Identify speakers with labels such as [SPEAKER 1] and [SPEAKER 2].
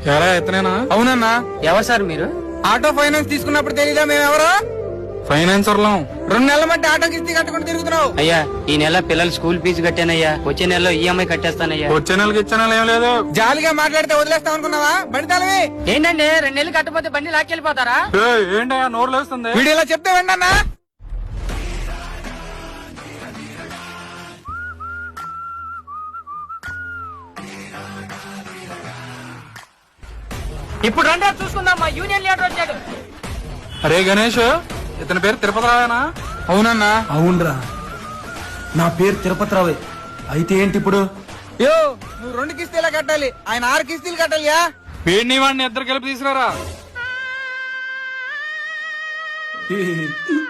[SPEAKER 1] ఎలా ఎత్తనేనా?
[SPEAKER 2] అవునన్నా.
[SPEAKER 3] ఎవరు సార్ మీరు?
[SPEAKER 2] ఆటో ఫైనాన్స్ తీసుకున్నప్పుడు తెలీదా మేమెవరో?
[SPEAKER 1] ఫైనాన్సర్లం.
[SPEAKER 2] 2 నెలల మట్టి ఆటో కిస్తీ కట్టుకుని తిరుగుతున్నావు.
[SPEAKER 3] అయ్యా ఈ నెల పిల్లల స్కూల్ ఫీజు కట్టానయ్యా, వచ్చే నెలలో ఈఎంఐ కట్టేస్తానయ్యా.
[SPEAKER 1] వచ్చే నెలకి ఇచ్చే నెల ఏం లేదు.
[SPEAKER 2] జాలిగా మాట్లాడితే వదిలేస్తాం అనుకున్నావా? బండితాలవి
[SPEAKER 3] ఏంటండి 2 నెలలు కట్టపోతే బండి లాక్కెళ్ళిపోతారా?
[SPEAKER 1] ఏంటయ్యా నోరు లేస్తుంది?
[SPEAKER 2] వీడు ఇలా చెప్తే వెండన్నా.
[SPEAKER 3] ఇప్పుడు రండి చూసుకుందాం, మా యూనియన్ లీడర్ వచ్చాడు.
[SPEAKER 1] అరే గణేష్, ఇతని పేరు తిరుపతి రావేనా?
[SPEAKER 2] అవునన్నా.
[SPEAKER 4] అవునరా, నా పేరు తిరుపతిరావే. అయితే ఏంటి ఇప్పుడు?
[SPEAKER 2] యో నువ్వు 2 కిస్తీలా కట్టాలి, ఆయన 6 కిస్తీలు కట్టాలియా.
[SPEAKER 1] వీడిని వాడిని ఇద్దరు కలిపి తీసుకురారా.